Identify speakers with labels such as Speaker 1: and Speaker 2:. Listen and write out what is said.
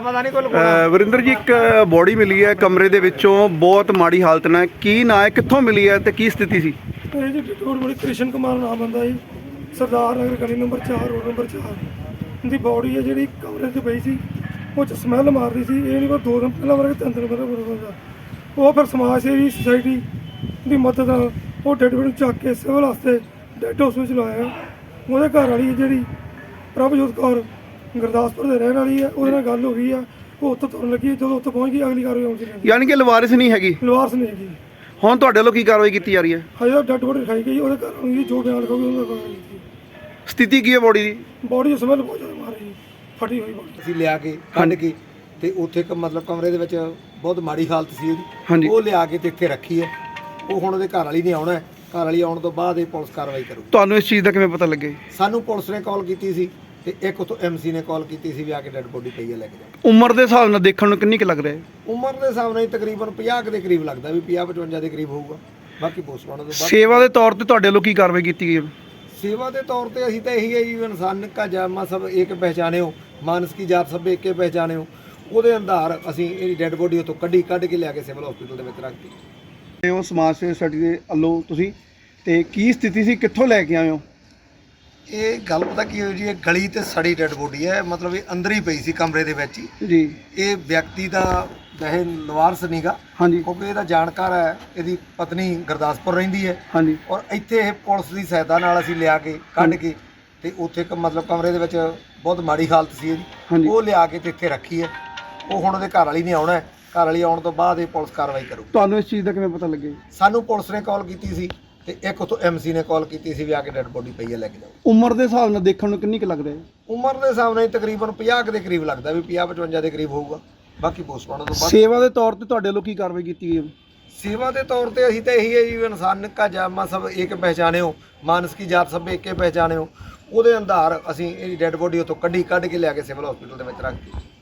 Speaker 1: ਪਤਾ ਨਹੀਂ ਕੋਈ
Speaker 2: ਵਰਿੰਦਰ ਜੀ, ਇੱਕ ਬੋਡੀ ਮਿਲੀ ਹੈ ਕਮਰੇ ਦੇ ਵਿੱਚੋਂ, ਬਹੁਤ ਮਾੜੀ ਹਾਲਤ ਨਾਲ, ਕੀ ਨਾਂ ਹੈ, ਕਿੱਥੋਂ ਮਿਲੀ ਹੈ ਤੇ ਕੀ ਸਥਿਤੀ ਸੀ?
Speaker 3: ਇਹ ਜੀ ਡਿਟੋਰ ਬੜੀ ਕ੍ਰਿਸ਼ਨ ਕੁਮਾਰ ਨਾਮ ਬੰਦਾ ਜੀ, ਸਰਦਾਰ ਨਗਰ ਗਲੀ ਨੰਬਰ 4 ਰੋਡ ਨੰਬਰ 4 ਦੀ ਬੋਡੀ ਹੈ ਜਿਹੜੀ ਕਮਰੇ 'ਚ ਪਈ ਸੀ। ਉਹ 'ਚ ਸਮੈਲ ਮਾਰਦੀ ਸੀ। ਇਹ ਨਹੀਂ ਕੋਈ 2 ਦਿਨ ਪਹਿਲਾਂ ਵਰਗੇ 3 ਦਿਨ ਪਹਿਲਾਂ ਬਰੋਦਾ ਉਹ ਫਿਰ ਸਮਾਜ ਸੇਵੀ ਸੁਸਾਇਟੀ ਦੀ ਮਦਦ ਨਾਲ ਉਹ ਡੈਡ ਬੋਡੀ ਨੂੰ ਚੱਕ ਕੇ ਸਿਵਲ ਹਸਪਤਾਲ ਡੈਡ ਹਾਊਸ ਵਿੱਚ ਲਾਇਆ। ਉਹਦੇ ਘਰ ਵਾਲੀ ਜਿਹੜੀ ਪ੍ਰਭਜੋਤ ਕੌਰ ਗੁਰਦਾਸਪੁਰ ਦੇ ਰਹਿਣ ਵਾਲੀ ਹੈ, ਉਹਦੇ ਨਾਲ ਗੱਲ ਹੋ ਗਈ ਆ। ਉਹ ਉੱਥੇ ਤੁਰਨ ਲੱਗੀ, ਜਦੋਂ ਉੱਥੇ ਪਹੁੰਚ ਗਈ ਅਗਲੀ ਕਾਰਵਾਈ ਆਉਂਦੀ ਰਹੀ।
Speaker 2: ਯਾਨੀ ਕਿ ਲਵਾਰਿਸ ਨਹੀਂ ਹੈਗੀ,
Speaker 3: ਲਵਾਰਸ ਨਹੀਂ ਹੈਗੀ।
Speaker 2: ਹੁਣ ਤੁਹਾਡੇ ਵੱਲੋਂ ਕੀ ਕਾਰਵਾਈ ਕੀਤੀ ਜਾ ਰਹੀ ਹੈ?
Speaker 3: ਹਜੇ ਤਾਂ ਡੈਡ ਬੋਡੀ ਦਿਖਾਈ ਗਈ, ਉਹਦੇ ਘਰ ਵਾਲੀ ਜੋ ਬਿਆਨ ਲਿਖੋਗੇ ਉਹਨਾਂ ਦਾ ਕਾਰਵਾਈ ਕੀਤੀ।
Speaker 2: ਸਥਿਤੀ ਕੀ ਹੈ ਬੋਡੀ ਦੀ?
Speaker 3: ਬੋਡੀ ਸਮੈਲ ਬਹੁਤ ਜ਼ਿਆਦਾ ਮਾਰ ਰਹੀ, ਫਟੀ ਹੋਈ ਬੋਡੀ।
Speaker 1: ਅਸੀਂ ਲਿਆ ਕੇ ਕੱਢ ਕੇ ਤੇ ਉੱਥੇ ਮਤਲਬ ਕਮਰੇ ਦੇ ਵਿੱਚ ਬਹੁਤ ਮਾੜੀ ਹਾਲਤ ਸੀ
Speaker 2: ਹਾਂਜੀ।
Speaker 1: ਇਹਦੀ। ਉਹ ਲਿਆ ਕੇ ਤੇ ਇੱਥੇ ਰੱਖੀ ਹੈ। ਉਹ ਹੁਣ ਉਹਦੇ ਘਰ ਵਾਲੀ ਨੇ ਆਉਣਾ ਹੈ। ਘਰ ਵਾਲੀ ਆਉਣ ਤੋਂ ਬਾਅਦ ਇਹ ਪੁਲਿਸ ਕਾਰਵਾਈ ਕਰੂ।
Speaker 2: ਤੁਹਾਨੂੰ ਇਸ ਚੀਜ਼ ਦਾ ਕਿਵੇਂ ਪਤਾ ਲੱਗੇ?
Speaker 1: ਸਾਨੂੰ ਪੁਲਿਸ ਨੇ ਕਾਲ ਕੀਤੀ ਸੀ ਤੇ ਇੱਕ ਉੱਥੋਂ ਐਮਸੀ ਨੇ ਕਾਲ ਕੀਤੀ ਸੀ ਵੀ ਆ ਕੇ ਡੈਡ ਬੋਡੀ ਪਈ ਹੈ, ਲੈ ਕੇ ਜਾਓ।
Speaker 2: ਉਮਰ ਦੇ ਹਿਸਾਬ ਨਾਲ ਦੇਖਣ ਨੂੰ ਕਿੰਨੀ ਕੁ ਲੱਗ ਰਿਹਾ ਹੈ?
Speaker 1: ਉਮਰ ਦੇ ਹਿਸਾਬ ਨਾਲ ਤਕਰੀਬਨ 50 ਦੇ ਕਰੀਬ ਲੱਗਦਾ, ਵੀ 50-55 ਦੇ ਕਰੀਬ ਹੋਊਗਾ। ਬਾਕੀ ਪੋਸਟਮਾਰਟਮ ਤੋਂ ਬਾਅਦ
Speaker 2: ਸੇਵਾ ਦੇ ਤੌਰ ਤੇ ਤੁਹਾਡੇ ਵੱਲੋਂ ਕੀ ਕਾਰਵਾਈ ਕੀਤੀ ਗਈ ਹੈ?
Speaker 1: सेवा के तौर पे असी तो यही है जी, इंसान का जामा सब एक पहचाने हो, मानस की जात सब एक पहचाने हो। ਉਹਦੇ ਅੰਦਰ ਅਸੀਂ ਇਹ ਡੈਡ ਬੋਡੀ ਉਤੋਂ ਕੱਢ ਕੇ ਲਿਆ ਕੇ ਸਿਵਲ ਹਸਪੀਟਲ ਦੇ ਵਿੱਚ ਰੱਖਤੀ।
Speaker 2: ਤੇ ਉਹ ਸਮਾਜ ਸੇਵਾ ਸੁਸਾਇਟੀ ਦੇ ਵੱਲੋਂ ਤੁਸੀਂ, ਤੇ ਕੀ ਸਥਿਤੀ ਸੀ, ਕਿੱਥੋਂ ਲੈ ਕੇ ਆਏ ਹੋ?
Speaker 1: ਇਹ ਗੱਲ ਪਤਾ ਕੀ ਹੋਈ ਜੀ, ਇਹ ਗਲੀ ਤੇ ਸੜੀ ਡੈਡ ਬੋਡੀ ਹੈ। ਮਤਲਬ ਇਹ ਅੰਦਰ ਹੀ ਪਈ ਸੀ ਕਮਰੇ ਦੇ ਵਿੱਚ ਹੀ
Speaker 2: ਜੀ।
Speaker 1: ਇਹ ਵਿਅਕਤੀ ਦਾ ਵੈਸੇ ਲਵਾਰਸ ਨਹੀਂਗਾ,
Speaker 2: ਹਾਂਜੀ
Speaker 1: ਕਿਉਂਕਿ ਇਹਦਾ ਜਾਣਕਾਰ ਹੈ। ਇਹਦੀ ਪਤਨੀ ਗੁਰਦਾਸਪੁਰ ਰਹਿੰਦੀ ਹੈ
Speaker 2: ਹਾਂਜੀ।
Speaker 1: ਔਰ ਇੱਥੇ ਇਹ ਪੁਲਿਸ ਦੀ ਸਹਾਇਤਾ ਨਾਲ ਅਸੀਂ ਲਿਆ ਕੇ ਕੱਢ ਕੇ ਤੇ ਉੱਥੇ ਮਤਲਬ ਕਮਰੇ ਦੇ ਵਿੱਚ ਬਹੁਤ ਮਾੜੀ ਹਾਲਤ ਸੀ ਇਹਦੀ। ਉਹ ਲਿਆ ਕੇ ਤੇ ਇੱਥੇ ਰੱਖੀ ਹੈ। ਉਹ ਹੁਣ ਉਹਦੇ ਘਰ ਵਾਲੀ ਨੇ ਆਉਣਾ ਹੈ। ਘਰ ਵਾਲੀ ਆਉਣ ਤੋਂ ਬਾਅਦ ਇਹ ਪੁਲਿਸ ਕਾਰਵਾਈ ਕਰੂ।
Speaker 2: ਤੁਹਾਨੂੰ ਇਸ ਚੀਜ਼ ਦਾ ਕਿਵੇਂ ਪਤਾ ਲੱਗੇ?
Speaker 1: ਸਾਨੂੰ ਪੁਲਿਸ ਨੇ ਕਾਲ ਕੀਤੀ ਸੀ ਤੇ ਇੱਕ ਉੱਥੋਂ ਐਮਸੀ ਨੇ ਕਾਲ ਕੀਤੀ ਸੀ ਵੀ ਆ ਕੇ ਡੈਡ ਬੋਡੀ ਪਈ ਹੈ, ਲੈ ਕੇ ਜਾਓ।
Speaker 2: ਉਮਰ ਦੇ ਹਿਸਾਬ ਨਾਲ ਦੇਖਣ ਨੂੰ ਕਿੰਨੀ ਕੁ ਲੱਗ ਰਿਹਾ ਹੈ?
Speaker 1: ਉਮਰ ਦੇ ਹਿਸਾਬ ਨਾਲ ਤਕਰੀਬਨ 50 ਦੇ ਕਰੀਬ ਲੱਗਦਾ, ਵੀ 50-55 ਦੇ ਕਰੀਬ ਹੋਊਗਾ। ਬਾਕੀ ਪੋਸਟਮਾਰਟਮ ਤੋਂ ਬਾਅਦ
Speaker 2: ਸੇਵਾ ਦੇ ਤੌਰ ਤੇ ਤੁਹਾਡੇ ਵੱਲੋਂ ਕੀ ਕਾਰਵਾਈ ਕੀਤੀ ਗਈ ਹੈ?
Speaker 1: सेवा के तौर पे असी तो यही है जी, इंसान का जामा सब एक पहचाने हो, मानस की जात सब एक पहचाने हो। ਉਹਦੇ ਅੰਦਰ ਅਸੀਂ ਇਹ ਡੈਡ ਬੋਡੀ ਉਤੋਂ ਕੱਢ ਕੇ ਲਿਆ ਕੇ ਸਿਵਲ ਹਸਪੀਟਲ ਦੇ ਵਿੱਚ ਰੱਖਤੀ।